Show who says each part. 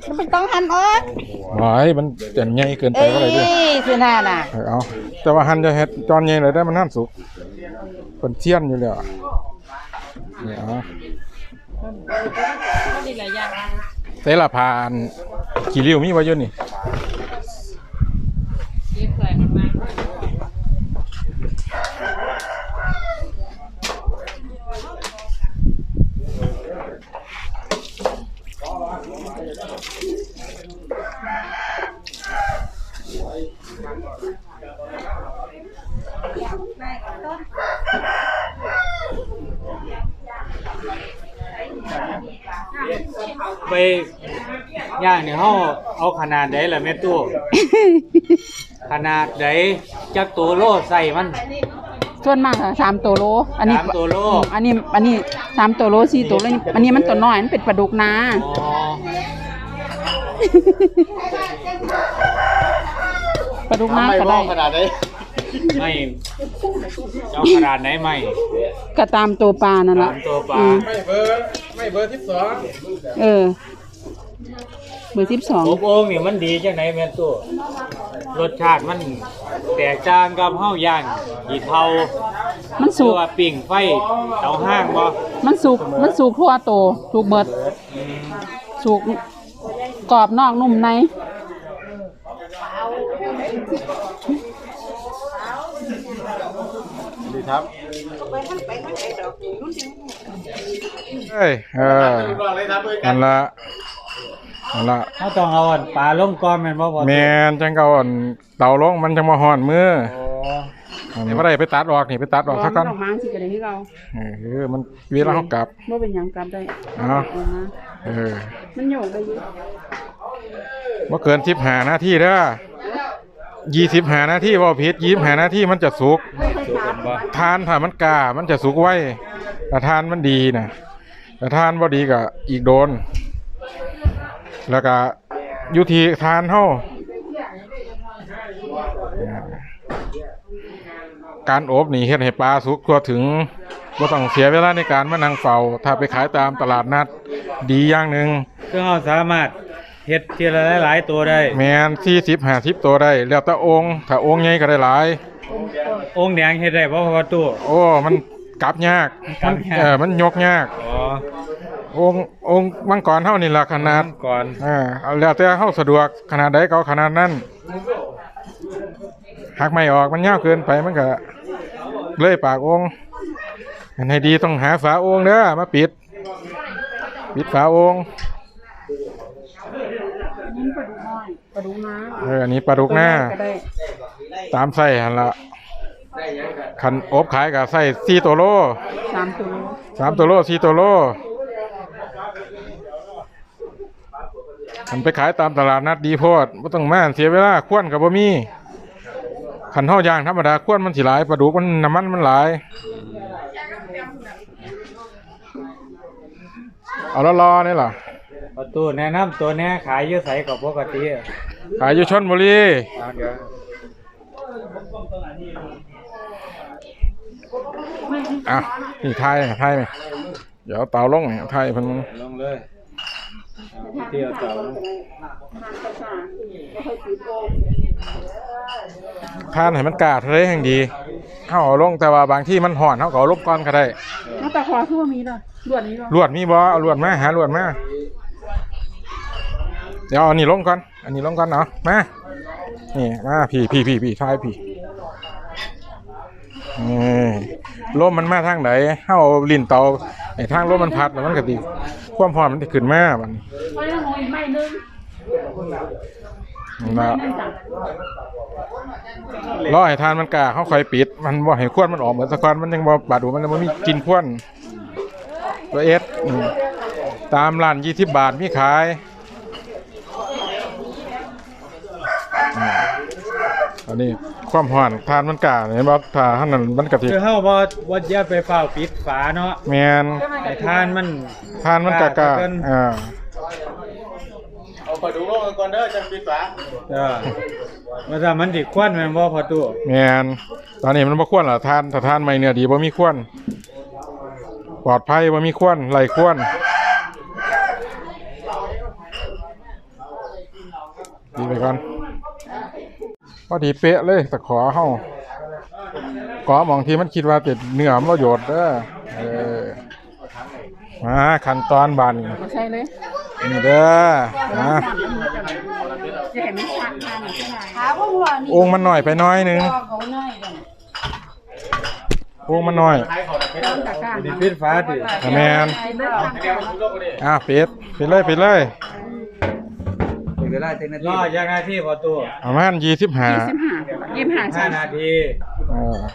Speaker 1: มันต้องหั่นออก
Speaker 2: หวายมันจะใหญ่เกินไปก็เลยด้วย
Speaker 1: สิหน้าน่ะ
Speaker 2: เอาแต่ว่าหั่นจะเฮ็ดจอนใหญ่เลยได้มันหั่นสุกเป็นเทียนอยู่แล้วเนี่ยเอาเสละพานกี่ริ้วมีไว้อยู่นี่
Speaker 3: ไปย่างเนี่ยเขาเอาขนาดใดล่ะแม่ตู้ ขนาดใดจักตัวโลใส่มัน
Speaker 1: ส่วนมากค่ะ3ตัวโลอันนี้
Speaker 3: 3ตัวโล
Speaker 1: อันนี้3ตัวโล4ตัวโลอันนี้มันตัวน้อยมันเป็นปลาดุกนา
Speaker 3: อ๋อ
Speaker 1: ปลาดุกนาก็ได้
Speaker 3: ไม่เอาขนาดไหนไม่
Speaker 1: ก็ตามตัวปลานั่นล่ะ
Speaker 3: ตามตัวปลา
Speaker 2: ไม่เบอร์12
Speaker 1: เออเบอร์
Speaker 3: อบโอ่งนี่มันดีจังไหนแม่ตู้รสชาติมันแตกต่างกับเฮาย่างหีเทา
Speaker 1: 12มัน
Speaker 3: หรื
Speaker 1: สุ
Speaker 3: อก ว่าปิ้งไฟเตาห้างบ่
Speaker 1: มันสุกทั่วโตสุกเบิดสุกกรอบนอกนุ่มใน
Speaker 2: ดีครับเอ้ยนั่นละ
Speaker 3: เขาต้องเอาอันปลาลงก่อนแม่นบ่พอ
Speaker 2: แมนจังเก่าอ่อนเต่าลงมันจะมาห่อนมือ
Speaker 3: อ๋อ
Speaker 2: นี่บ่ได้ไปตัดออกนี่ไปตัดออกซะก่อน
Speaker 1: ดอกไม้สิก็ได้คือเรา
Speaker 2: มันเวลาเฮากลับ
Speaker 1: บ่เป็นหยังกลับได้
Speaker 2: เนาะ
Speaker 1: เอามา มันโยกได้อยู่
Speaker 2: บ่เกิน15นาทีเด้อ25นาทีบ่ผิด25นาทีมันจะสุก
Speaker 3: บ่
Speaker 2: ทานถ้ามันกล้ามันจะสุกไวแต่ทานมันดีนะแต่ทานบ่ดีก็อีกโดนแล้วก็อยู่ที่ทานเฮาการอบนี่เฮ็ดให้ปลาสุกทั่วถึงบ่ต้องเสียเวลาในการมานั่งเฝ้าถ้าไปขายตามตลาดนัดดีอย่างหนึง
Speaker 3: คือเฮาสามารถเฮ็ดทีละหลายๆตัวได้
Speaker 2: แม่น40 50ตัวได้แล้วแต่องค์ถ้าองค์ใหญ่ก็ได้หลาย
Speaker 3: องค์แดงเฮ็ดได้บ่พอตู้
Speaker 2: โอ้มันกลับยาก
Speaker 3: กลับยาก
Speaker 2: มันยกยาก
Speaker 3: อ๋อ
Speaker 2: องค์มังกรเท่านี่ละขนาด
Speaker 3: ก่อน
Speaker 2: เอาแล้วแต่เฮาสะดวกขนาดใดก็เอาขนาดนั้นหักไม่ออกมันยาวเกินไปมันก็เลยปากองค์อันให้ดีต้องหาฝาองค์เด้อมาปิดฝาองค์
Speaker 1: นี่ปลาดุกน้อยปลาดุกนา
Speaker 2: อันนี้ปลาดุกหน้า
Speaker 1: ก็ได้
Speaker 2: ตามไส้หั่นละคันอบขายก็ไส้4ตัวโล
Speaker 1: 3ตัวโล
Speaker 2: 3ตัวโล4ตัวโลคันไปขายตามตลาดนัดดีโพดบ่ต้องมาเสียเวลาควนก็บ่มีคันเฮาย่างธรรมดาควนมันสิหลายปลาดุกมันน้ำมันหลายเอารอๆนี่ล่ะ
Speaker 3: พอตู้แนะนำตัวแนี้ขายอยู่ไสก็ปกติ
Speaker 2: ขายอยู่ชลบุรี
Speaker 3: เดี๋ยว
Speaker 2: อ่ะนี่ไทยไหมเดี๋ยวเตาลงเนี่ยไทยเพิ่น
Speaker 3: ลงเลยเที่ยวเตา
Speaker 2: ทานให้มันกล้าทะเลแห่งดีเฮาเอาลงแต่ว่าบางที่มันห่อนเฮาก็เอาลบก่อนก็ได้
Speaker 1: น้ำตาคอคือว่ามีเลยลวดนี้บ่
Speaker 2: ลวดมีบ่เอาลวดมาหาลวดมาเดี๋ยวเอาอันนี้ลงก่อนอันนี้ลงก่อนเนาะมานี่มาพี่ทายพี่ลมมันมาทางไหนเฮาเอาลิ้นเตาไอ้ทางลมมันพัดแล้วมันก็สิความร้อนมันสิขึ้นมาบัดนี้
Speaker 1: ไว้หน่อยไม้นึง
Speaker 2: นะรอให้ทานมันกล้าเฮาค่อยปิดมันบ่ให้ควนมันออกเหมือนตะกอนมันยังบ่บาดหูมันบ่มีกินควนตัวเอสตามร้าน20 บาทมีขายอันนี้ความร้อนทานมันกล้าเห็นบ่ถ้าหั่นนั้นมันก็สิ
Speaker 3: คือเฮาบ่อย่าไปเฝ้าปิดฝาเนาะ
Speaker 2: แม่น
Speaker 3: ให้ทานมัน
Speaker 2: ทานมันกล้า
Speaker 3: เอาไปดูโลกก่อนเด้อจังปิดฝาว่าถ้ามันสิควันแม่นบ่พอตู้
Speaker 2: แม่นตอนนี้มันบ่ควรล่ะทานถ้าทานไม่เนื้อดีบ่มีควรปลอดภัยบ่มีควรไร้ควรดีไปก่อนพอดีเป๊ะเลยตะขอเฮาขอมองที่มันคิดว่าติดเนื้อมันประโยชน์เด้อมาขั้นตอนบานนี่
Speaker 1: ใช่เลย
Speaker 2: นี่เด้อมา
Speaker 1: จะเห็นมันชัดทานหรือใช่ไหม
Speaker 4: ขาพวกหัวนี่
Speaker 2: องค์มันหน่อยไปหน้อยหนึง
Speaker 4: เขาหน่อยกัน
Speaker 2: องค์มันหน่อย
Speaker 1: ต้นตะกร้า
Speaker 3: ดิปิดฟ้าดิ
Speaker 2: แมน
Speaker 1: ไอ้เลือดทาง
Speaker 2: ปิดเลย
Speaker 5: เวลา10 นาที
Speaker 3: รอยังนาทีพอตัว
Speaker 2: ประมาณ25
Speaker 1: 25 25
Speaker 3: 5 นาที